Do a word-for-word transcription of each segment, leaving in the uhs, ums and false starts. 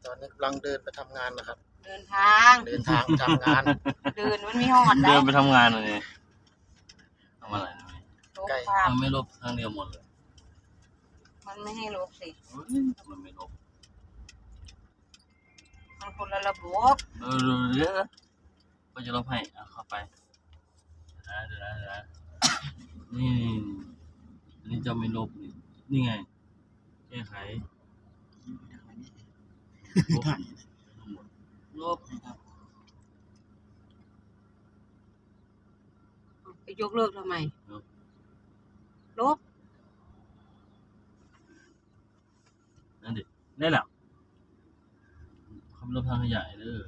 ตอนนี้กำลังเดินไปทำงานนะครับเดินทางเดินทางทำงานเดินมันไม่หอดได้เดินไปทำงานเลยทำอะไรใกล้ทำไม่ลบทางเดียวหมดเลยมันไม่ให้ลบสิมันไม่ลบมันคนละระบบเออเดี๋ยวก็จะลบให้เอาเข้าไปเดี๋ยวนะเดี๋ยวนะนี่อันนี้จะไม่ลบนี่นี่ไงแก้ไขลบลบไปยกเลิกทำไมลบนั่นดิได้แล้วคำลบทางขยายเด้อ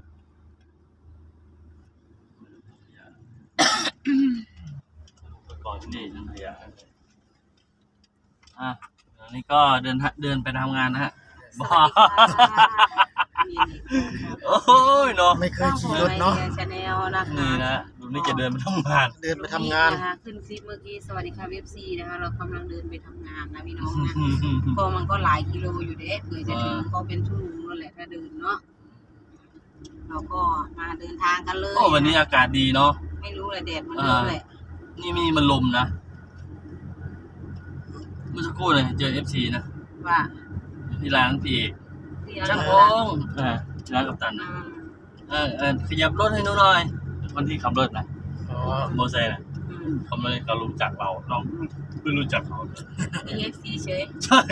ก่อนที่นี่ทางขยายอ่ะตอนนี้ก็เดินเดินไปทำงานนะฮะบ้าโอ้ยเนาะไม่เคยขี่รถเนาะนี่นะดูนี่จะเดินไปทำงานเดินไปทำงานนะคะขึ้นคลิปเมื่อกี้สวัสดีค่ะเว็บซีนะคะเรากำลังเดินไปทำงานนะพี่น้องนะก็มันก็หลายกิโลอยู่เด้เผื่อจะถึงก็เป็นชั่วโมงนั่นแหละถ้าเดินเนาะเราก็มาเดินทางกันเลยโอ้วันนี้อากาศดีเนาะไม่รู้เลยแดดมันเยอะเลยนี่มีมันลมนะเมื่อสักครู่เลยเจอ เอฟ ซี นะว่าที่ร้านพี่ช่างพงอ่าร้านกัปตันนะเออเออขยับรถให้หนูหน่อยคนที่ขับรถนะอ๋อโมเสสนะเขาไม่เขารู้จักเราน้องไม่รู้จักเขาเลยเอฟ ซี เฉยใช่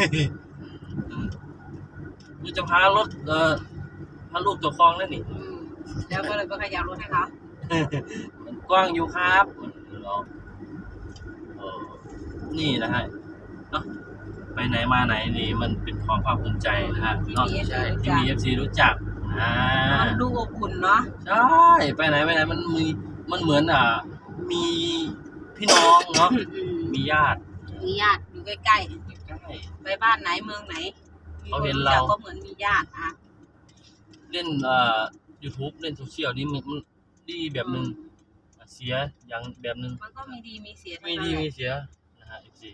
กูจะพารถเออพาลูกตัวคลองนั่นนี่แล้วก็เลยไปขยับรถให้เขากว้างอยู่ครับนี่นะฮะไปไหนมาไหนนี่มันเป็นความภาคภูมิใจนะฮะนอกจากที่มี เอฟ ซี รู้จักอ่าดูอบอุ่นเนาะใช่ไปไหนไปไหนมันมีมันเหมือนอ่ะมีพี่น้องเนาะมีญาติมีญาติอยู่ใกล้ๆไปบ้านไหนเมืองไหนเขาเห็นเราก็เหมือนมีญาติอ่ะเล่นเอ่อ YouTube เล่นโซเชียลนี่มันดีแบบนึงเสียอย่างแบบนึงมันก็มีดีมีเสียมีดีมีเสียนะฮะ เอฟ ซี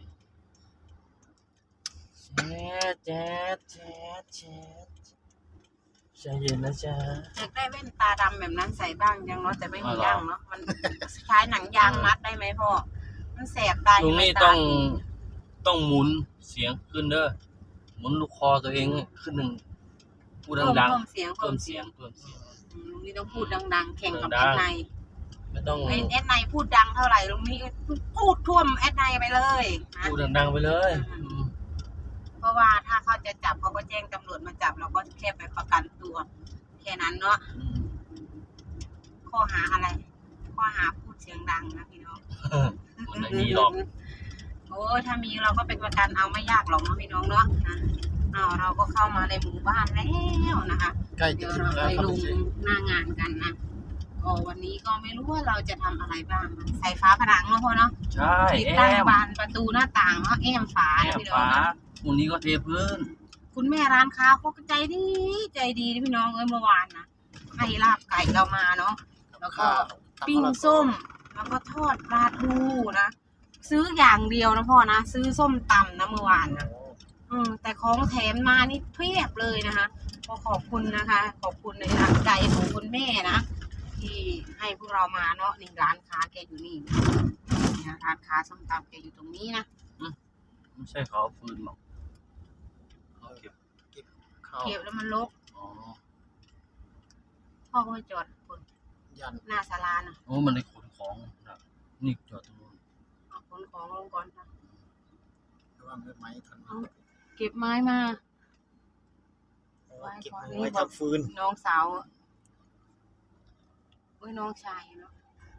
แจ๊ดแจ๊ดแจ๊ดแจ๊ดใจเย็นนะจ๊ะอยากได้แว่นตาดำแบบนั้นใส่บ้างยังเนาะแต่ไม่มีย่างเนาะมันใช้หนังยางมัดได้ไหมพ่อมันแสบตาตรงนี้ต้องต้องหมุนเสียงขึ้นเด้อหมุนลูกคอตัวเองขึ้นหนึ่งพูดดังๆเพิ่มเสียงเพิ่มเสียงเพิ่มเสียงลุงนี่ต้องพูดดังๆแข่งกับแอดไนไม่ต้องแอดไนพูดดังเท่าไหร่ลุงนี่พูดท่วมแอดไนไปเลยพูดดังๆไปเลยเพราะว่าถ้าเขาจะจับเขาก็แจ้งตำรวจมาจับเราก็แค่ไปประกันตัวแค่นั้นเนาะข้อหาอะไรข้อหาพูดเสียงดังนะพี่น้องมันไม่มีหรอกโอ้ยถ้ามีเราก็เป็นประกันเอาไม่ยากหรอกนะพี่น้องเนาะนะเอาเราก็เข้ามาในหมู่บ้านแล้วนะคะเดี๋ยวเราไปลงหน้างานกันนะก็วันนี้ก็ไม่รู้ว่าเราจะทำอะไรบ้างใส่ฝาผนังเนาะพ่อเนาะใช่ติดตั้งบานประตูหน้าต่างเนาะแอมฝาพี่น้องวันนี้ก็เทพื้นคุณแม่ร้านค้าเขาก็ใจดีใจดีพี่น้องเอ้ยเมื่อวานนะให้ลาบไก่เรามาเนาะแล้วก็ปิ้งส้มแล้วก็ทอดปลาทูนะซื้ออย่างเดียวนะพ่อนะซื้อส้มตำนะเมื่อวานนะอืมแต่ของแถมมานี่เพียบเลยนะคะก็ขอบคุณนะคะขอบคุณในน้ำใจของคุณแม่นะที่ให้พวกเรามาเนาะนี่ร้านค้าแกอยู่นี่นะร้านค้าส้มตำแกอยู่ตรงนี้นะไม่ใช่เขาฟืนหรอกเขาเก็บเก็บเก็บแล้วมันรกอ๋อพ่อก็ไปจอดคนยันหน้าศาลาน่ะโอ้มันได้ขนของนะนี่จอดตรงนู้นขนของลงก่อนนะระวังไม้ทันเก็บไม้มาเก็บไม้ทำฟืนน้องสาวเอ้ยน้องชายเนาะ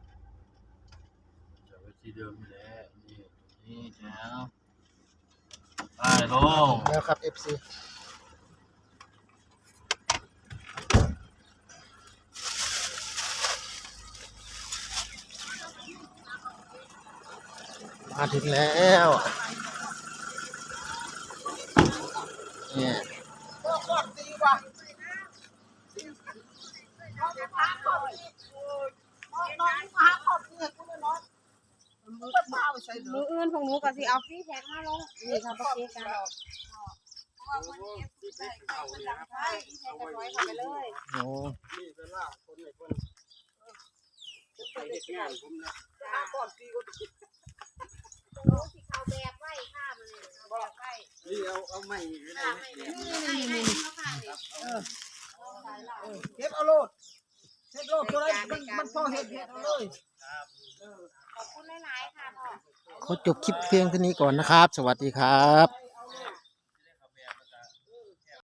จะไว้ที่เดิมนี่แหละนี่นี่แล้วไปลงแล้วครับ เอฟ ซี มาถึงแล้วเนี่ยมืออื่นของหนูก็สิเอาฟรีแท็กมาลงนี่ค่ะปกติกันว่าคนเก็บใส่ไข่คนหลังไข่ใส่กระร้อยเข้าไปเลยโอ้นี่เวลาคนไหนคนไปเด็กงานผมนะก่อนตีก็โอ้สิเขาแบบไว้ข้ามันเลยแบบไว้นี่เอาเอาไม้นี่ข้าไม่แบบนี่นี่นี่เขาข้าเลยเออเก็บเอาโลดเฮ็ดโลดตัวไรมันมันพอเฮ็ดเฮ็ดเอาเลยขอบคุณหลายๆค่ะพ่อขอจบคลิปเพียงเท่านี้ก่อนนะครับ สวัสดีครับ